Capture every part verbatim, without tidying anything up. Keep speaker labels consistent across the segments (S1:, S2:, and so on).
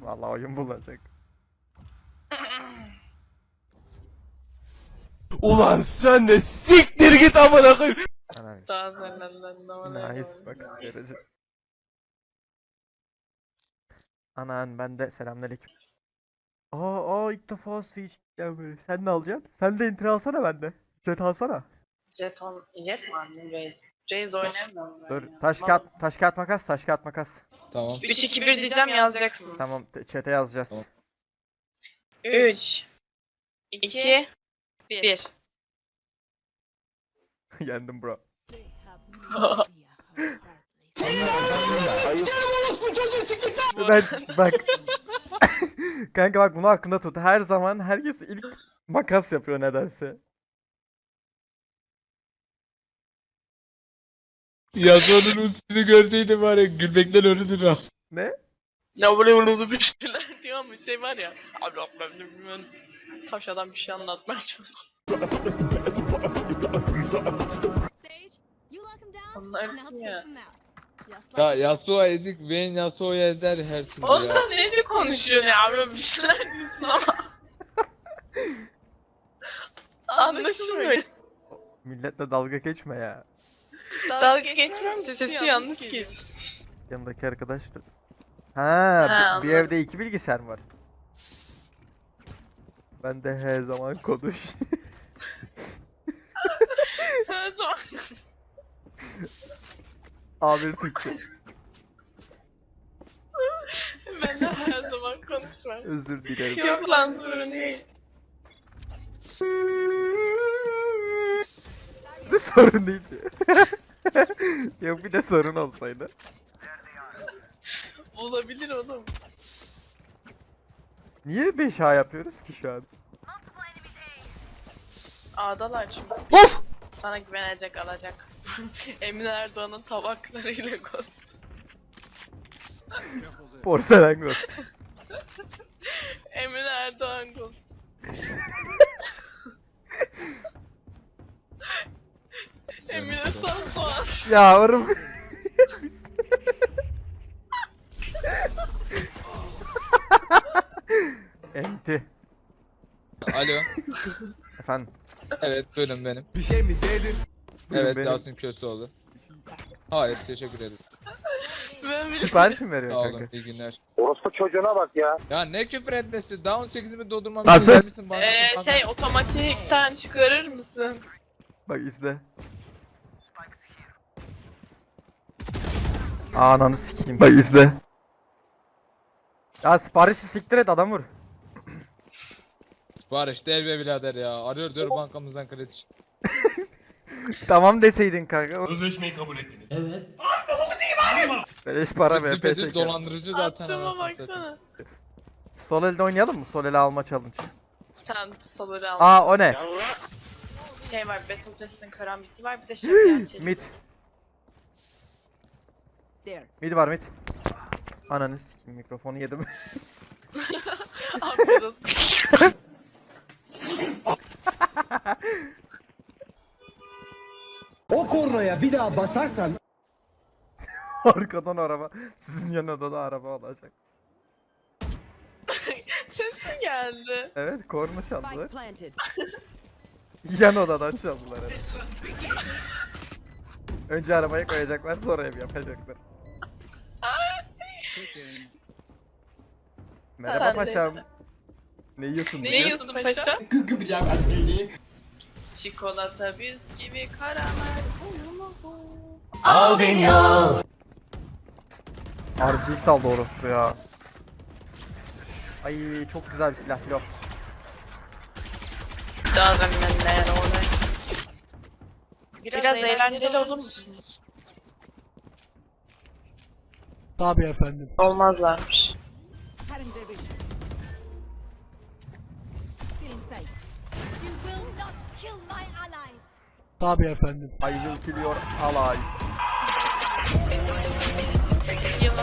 S1: Vallahi oyun bulacak.
S2: Ulan sen de siktir git amına koyayım.
S1: Nice. Nice bak derece. Anan ben de selamünaleyküm. Aa, aa ilk defa Sage gelmiyor. Sen ne alacaksın? Sen de enter alsana bende. Jet alsana.
S3: Jeton, jet mi aldın Raze? Raze oynamıyorum ben
S1: Dur
S3: ya.
S1: taş kağıt taş kağıt makas taş kağıt makas.
S2: Tamam.
S3: üç iki bir diyeceğim yazacaksınız.
S1: Tamam chat'e yazacağız.
S2: Tamam.
S3: üç iki bir.
S1: Yendim bro. Ben bak. Kanka bak bunu aklında tut. Her zaman herkes ilk makas yapıyor nedense.
S2: Yazanın ultisini görseydim var ya gülmekten ölürdün ha.
S1: Ne?
S3: Ya böyle böyle bir şeyler diyor ama şey var ya. Abi abi bilmem. Taş adam bir şey anlatmaya çalışıyor. Anlarsın ya.
S2: Ya Yasuo ezik, Vayne Yasuo'yu ezer her türlü
S3: Oğlum
S2: ya.
S3: sen neyce konuşuyorsun ya abi bir şeyler diyorsun ama. Anlaşılmıyor.
S1: Milletle dalga geçme ya.
S3: Dalga geçmiyorum da sesi yanlış geliyor.
S1: Yanımdaki arkadaş. Ha,
S3: Ha,
S1: bir, bir
S3: anladım.
S1: evde iki bilgisayar mı var? Ben de her zaman konuş.
S3: Her zaman.
S1: A bir Türkçe.
S3: Ben de her zaman konuşmam.
S1: Özür dilerim.
S3: Yok lan sorun değil.
S1: Ne sorun değil. Yok bir de sorun olsaydı.
S3: Olabilir oğlum.
S1: Niye beş A yapıyoruz ki şu an?
S3: A'dalar çünkü.
S1: Of!
S3: Sana güvenecek alacak. Emine Erdoğan'ın tabaklarıyla ghost.
S1: Porselen ghost.
S3: Emine Erdoğan ghost. Emine Sandoğan.
S1: Ya oğlum. Enti.
S2: Alo.
S1: Efendim.
S2: Evet buyurun benim.
S4: Bir şey mi dedin?
S1: Buyurun
S2: Evet
S1: benim.
S2: Yasin Köseoğlu. Hayır teşekkür ederim.
S3: Ben bile
S1: Sipariş mi
S2: Sağ
S1: veriyorsun
S2: olun
S1: kanka?
S2: iyi günler.
S5: Orospu çocuğuna bak ya.
S2: Ya ne küfür etmesi? Down sekizimi doldurmam
S1: Lan
S2: için
S1: sus!
S2: gelmişsin bana.
S3: Ee, şey otomatikten çıkarır mısın?
S1: Bak izle. Ananı sikeyim. Bak izle. Ya siparişi siktir et adam vur.
S2: Sipariş değil be birader ya. Arıyor diyor bankamızdan kredi.
S1: Tamam deseydin kanka.
S4: Sözleşmeyi kabul ettiniz.
S1: Beleş para ver.
S2: Düpedüz
S1: P T K.
S2: dolandırıcı zaten.
S3: Attığıma
S2: anasını satayım.
S3: baksana.
S1: Sol elde oynayalım mı? Sol ele alma challenge.
S3: Sen saları al.
S1: Aa o ne?
S3: Şey var Battle Pass'in karambiti var bir de şeker çelik.
S1: Mid. Mid var mid. Ananı sikeyim mikrofonu yedim.
S3: Afiyet olsun.
S6: O kornaya bir daha basarsan
S1: Arkadan araba. Sizin yanında da araba olacak.
S3: Sesin geldi.
S1: Evet korna çaldılar. Yan odadan çaldılar evet. Önce arabaya koyacaklar sonra ev yapacaklar. Merhaba
S3: Ben de.
S1: paşam. Ne yiyorsun
S3: Ne
S1: bugün?
S3: yiyorsun paşa?
S6: gıgı bir yani.
S3: Çikolata, bisküvi, karamel.
S6: Al beni al.
S1: R G X aldı orospu ya. Ay çok güzel bir silah pilot.
S3: Doesn't matter ona. Biraz, Biraz eğlenceli olur musunuz?
S6: Tabii efendim.
S3: Olmazlarmış.
S6: Tabii efendim.
S1: I will kill your allies.
S3: Yılın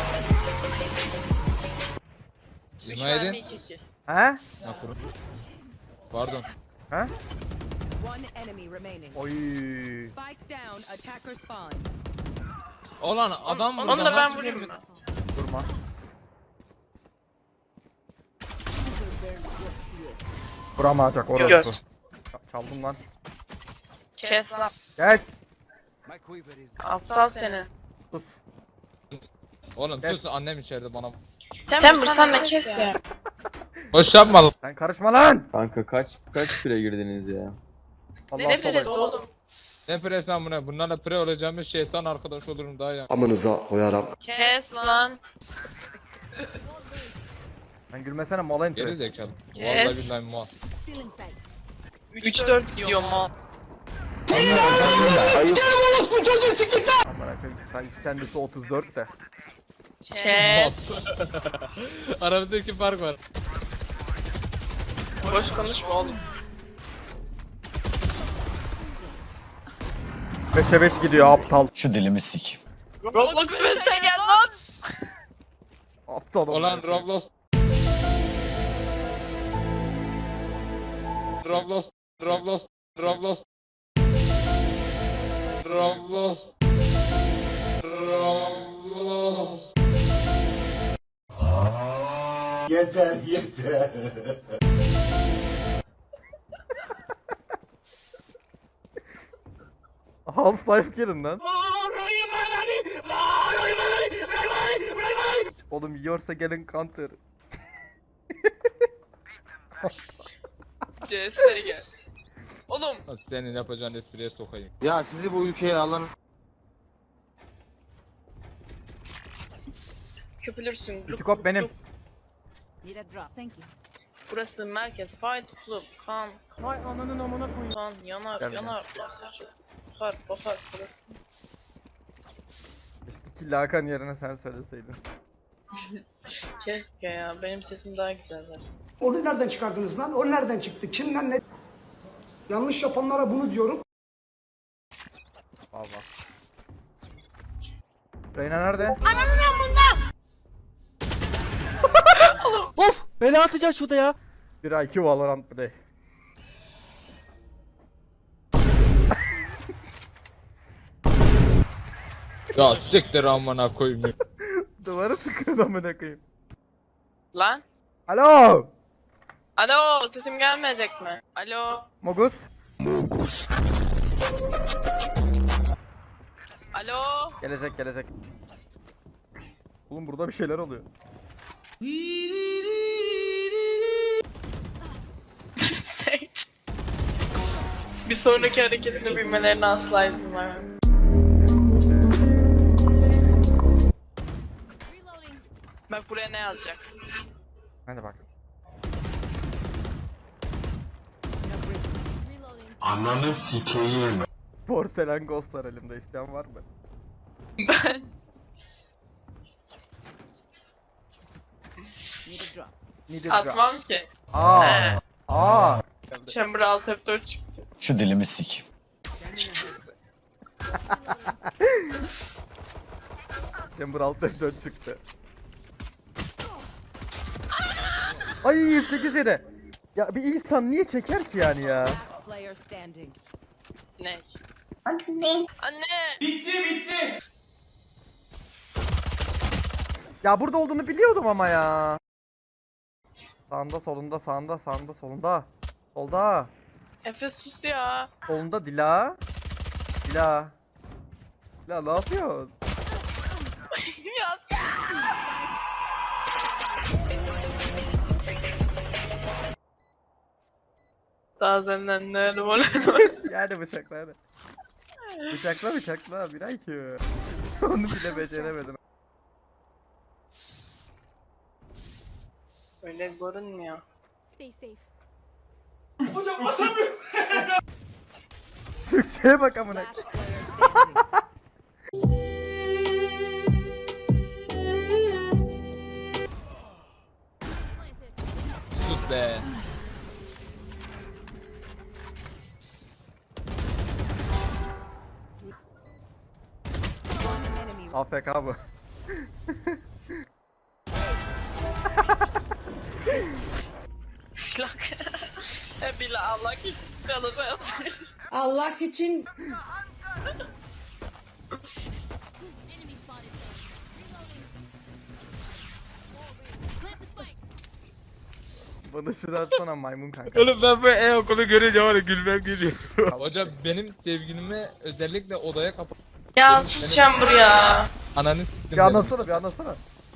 S3: üç
S2: Yemeğe
S3: mermi
S2: edin.
S3: iki kill.
S1: He?
S2: Ha, kurun. Pardon.
S1: He?
S7: One enemy remaining.
S1: Oy.
S7: Spike down, attacker spawn.
S2: Ulan adam
S3: Onu
S2: burada
S3: da ben
S2: nasıl
S3: vurayım
S2: bir-
S3: mı?
S1: Durma. Vuramayacak orası.
S3: Göz.
S1: Ç- Çaldım lan.
S3: Kes lan.
S1: Gel.
S3: Aptal seni.
S1: Sus.
S2: Oğlum
S1: Kes.
S2: sus, annem içeride bana.
S3: Chamber sen de kes ya.
S2: Boş yapma lan.
S1: Sen karışma lan.
S5: Kanka kaç kaç pire girdiniz ya?
S1: Allah
S3: Ne
S1: sobayı.
S3: biliriz oğlum.
S2: Ne pres lan bu ne? Bunlarla pre olacağımız şeytan arkadaş olurum daha ya.
S8: Amınıza koyarım.
S3: Kes lan.
S1: Sen gülmesene mola
S2: Geri
S1: intro.
S2: zekalı.
S3: Kes.
S2: Vallahi billahi mal.
S3: üç dört gidiyor mal.
S1: Amına koyayım. Sanki kendisi otuz dört de.
S3: Kes.
S2: Aramızdaki fark var.
S3: Boş konuşma oğlum.
S1: beşe beş gidiyor aptal.
S8: Şu dilimi sik.
S3: Roblox Fest'e gel lan.
S1: Aptal
S2: Olan Roblox. Roblox. Roblox. Roblox. Roblox. Roblox.
S8: Yeter yeter.
S1: Half-Life girin lan. Oğlum yiyorsa gelin counter.
S3: C S'e gel. Oğlum.
S2: Senin yapacağın espriye sokayım.
S8: Ya sizi bu ülkeye alan
S3: Köpülürsün.
S1: Kütükop benim.
S7: Need a drop. Thank you.
S3: Burası merkez. Fight Club. Kan.
S1: Vay ananın amına koyayım.
S3: Kan. Yanar.
S1: Gel
S3: Yanar. Basar. Bakar. Bakar. Burası.
S1: Keşke Hakan yerine sen söyleseydin.
S3: Keşke ya. Benim sesim daha güzel zaten.
S6: Onu nereden çıkardınız lan? O nereden çıktı? Kimden ne? Yanlış yapanlara bunu diyorum.
S1: Valla. Reyna nerede?
S9: Of! Bela atacağız şurada ya.
S1: Bir I Q Valorant bir de.
S2: Ya siktir amına koyayım.
S1: Duvara sıkın amına koyayım.
S3: Lan.
S1: Alo!
S3: Alo. Sesim gelmeyecek mi? Alo.
S1: Mogus?
S3: Alo.
S1: Gelecek gelecek. Oğlum burada bir şeyler oluyor.
S3: Bir sonraki hareketini bilmelerine asla izin vermem. Bak buraya ne yazacak?
S1: Hadi bak.
S8: Ananı sikeyim.
S1: Porselen Ghost var elimde, isteyen var mı?
S3: Ben
S7: Need a drop.
S1: Needed
S3: atmam ki.
S1: Aa.
S3: He.
S1: Aa.
S3: Chamber alt F dört çıktı.
S8: Şu dilimi sik.
S1: Chamber altta dört çıktı. Ay sekiz yedi. Ya bir insan niye çeker ki yani ya?
S7: Last player standing.
S3: Ne? Anne. Anne.
S1: Ya burada olduğunu biliyordum ama ya. Sağında solunda sağında sağında solunda. Solda.
S3: Efe sus ya.
S1: Solunda Dila. Dila. Dila ne yapıyorsun?
S3: ya Daha senden ne var?
S1: Yani bıçakla hadi. Bıçakla bıçakla bir I Q. Onu bile beceremedim.
S3: Öyle görünmüyor.
S10: Stay safe.
S1: Türkçeye bak amına.
S7: Last player standing.
S2: Sus be.
S7: One enemy.
S1: A F K bu.
S3: Hep bile Allah için çalışıyorsun.
S10: Allah için
S1: Bana şunu atsana maymun kanka.
S2: Oğlum ben bu e-okulu görünce var ya gülmem geliyor. Hocam benim sevgilimi özellikle odaya kapat.
S3: Ya sus Chamber ya.
S2: Ananı s**tim
S1: Bir
S2: dedim.
S1: anlatsana bir anlatsana.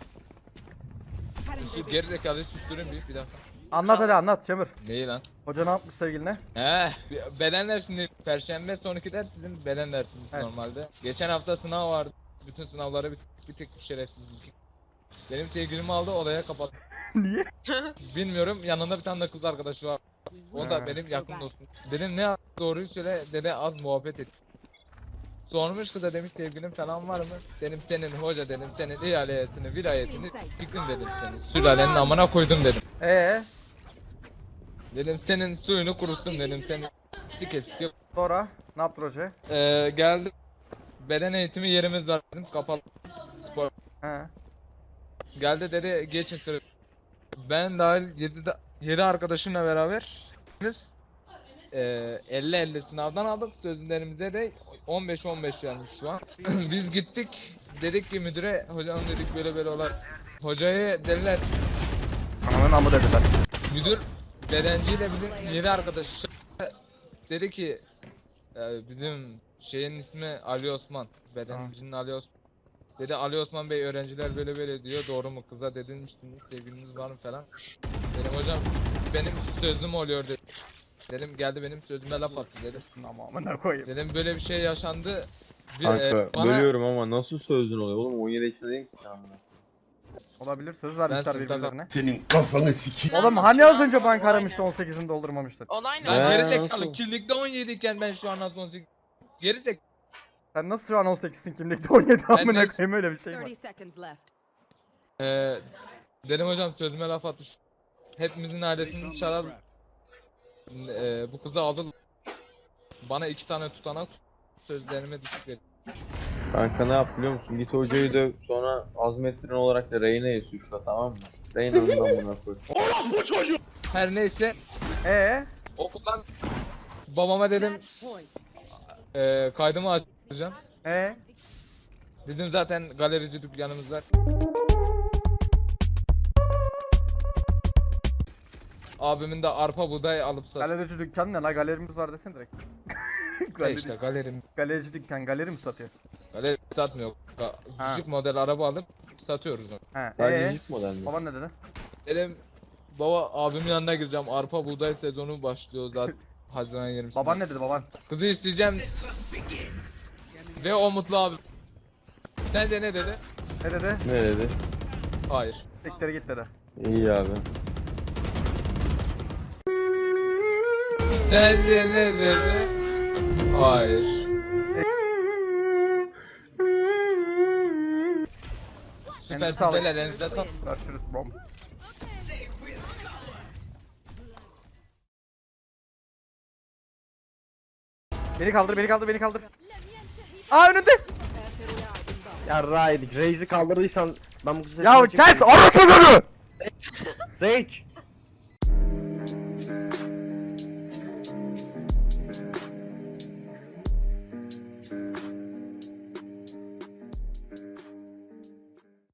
S2: Şu geri zekalıyı susturayım bir, bir dakika.
S1: Anlat hadi anlat Çamur.
S2: Neyi lan?
S1: Hoca ne yapmış sevgiline?
S2: He, beden dersinde perşembe sonraki ders bizim beden dersimiz
S1: Evet.
S2: normalde. Geçen hafta sınav vardı. Bütün sınavları bir, bir tek bir şerefsizlik. Benim sevgilimi aldı odaya kapattı.
S1: Niye?
S2: Bilmiyorum, yanında bir tane de kız arkadaşı var. O da
S1: Ha.
S2: benim yakın dostum. Dedim ne doğruyu söyle, dedi az muhabbet et. Sormuş kıza, demiş sevgilin falan var mı? Dedim senin hoca, dedim senin ihaletini, vilayetini siktim dedim seni. Sülalenin amına koydum dedim.
S1: Ee,
S2: Dedim senin suyunu kuruttum dedim, seni sike sike.
S1: sonra ne yaptı hoca?
S2: Ee, geldim. Beden eğitimi yerimiz var dedim, kapalı. Spor.
S1: He.
S2: Geldi dedi geçin sıra. Ben dahil yedi arkadaşımla beraber biz elli elli sınavdan aldık. Sözlerimize de on beş on beş vermiş şu an. Biz gittik. Dedik ki müdüre, hocam dedik böyle böyle olar. Hocayı dediler.
S1: Ananın amı dediler.
S2: Müdür bedenciyle bizim yedi arkadaş dedi ki e, bizim şeyin ismi Ali Osman. Bedencinin Ali Osman. Dedi Ali Osman Bey öğrenciler böyle böyle diyor, doğru mu, kıza dedinmiştiniz, sevgiliniz var mı falan. Dedim hocam benim sözüm oluyor dedi. Dedim geldi benim sözüme laf attı dedi.
S1: Ama amına koyayım.
S2: Dedim böyle bir şey yaşandı. Bir,
S5: Kanka
S2: e, bana
S5: bölüyorum ama nasıl sözün oluyor oğlum, on yedi yaşında değil ki sen anda.
S1: Olabilir, söz vermişler
S2: sözden-
S1: birbirlerine.
S8: Senin kafanı sikeyim.
S1: Oğlum hani az önce banka aramıştı on sekizini doldurmamıştı.
S3: Olay ne?
S2: ben
S5: Ee,
S2: geri zekalı,
S5: nasıl?
S2: kimlikte on yedi iken ben şu an az on sekiz. Geri zekalı.
S1: Sen nasıl şu an on sekizsin kimlikte on yedi amına
S2: de-
S1: koyayım, öyle bir şey var.
S7: thirty seconds left.
S2: Ee, dedim hocam sözüme laf atmış. Hepimizin ailesini çağıralım. Ee, bu kızı aldı. Bana iki tane tutanak, sözlerime düşük verdi.
S5: Kanka ne yap biliyor musun? Git hocayı döv, sonra azmettirin olarak da Reyna'yı suçla, tamam mı? Reyna'nın amına koy.
S2: Her neyse
S1: Ee,
S2: okuldan babama dedim
S7: Match point.
S2: e, kaydımı açacağım.
S1: ee.
S2: Dedim zaten galerici dükkanımız var. Abimin de arpa buğday alıp sat.
S1: Galerici dükkan ne la, galerimiz var desene direkt.
S2: İşte
S1: Galeri,
S2: galerim.
S1: galerici dükkan, galeri mi satıyor?
S2: Galeri satmıyor. Ga-
S1: Ha.
S2: Küçük model araba alıp satıyoruz onu.
S1: He,
S5: Sadece
S1: ee.
S5: jip model mi?
S1: Baban ne dedi?
S2: Dedim baba abimin yanına gireceğim. Arpa buğday sezonu başlıyor zaten. Haziran yirmisinde.
S1: Baban ne dedi baban?
S2: Kızı isteyeceğim. Ve o mutlu abi. Sence ne dedi?
S1: Ne dedi?
S5: Ne dedi?
S2: Hayır.
S1: Siktir git dedi.
S5: İyi abi.
S2: Sence ne dedi? Hayır. Süper
S1: sağlık.
S2: sizler elinize sağlık.
S1: Görüşürüz bom. Beni kaldır, beni kaldır, beni kaldır. Aa önünde.
S9: Ya Raid, Reis'i kaldırdıysan ben bu kızı
S1: Ya kes orası çocuğu.
S9: Sage!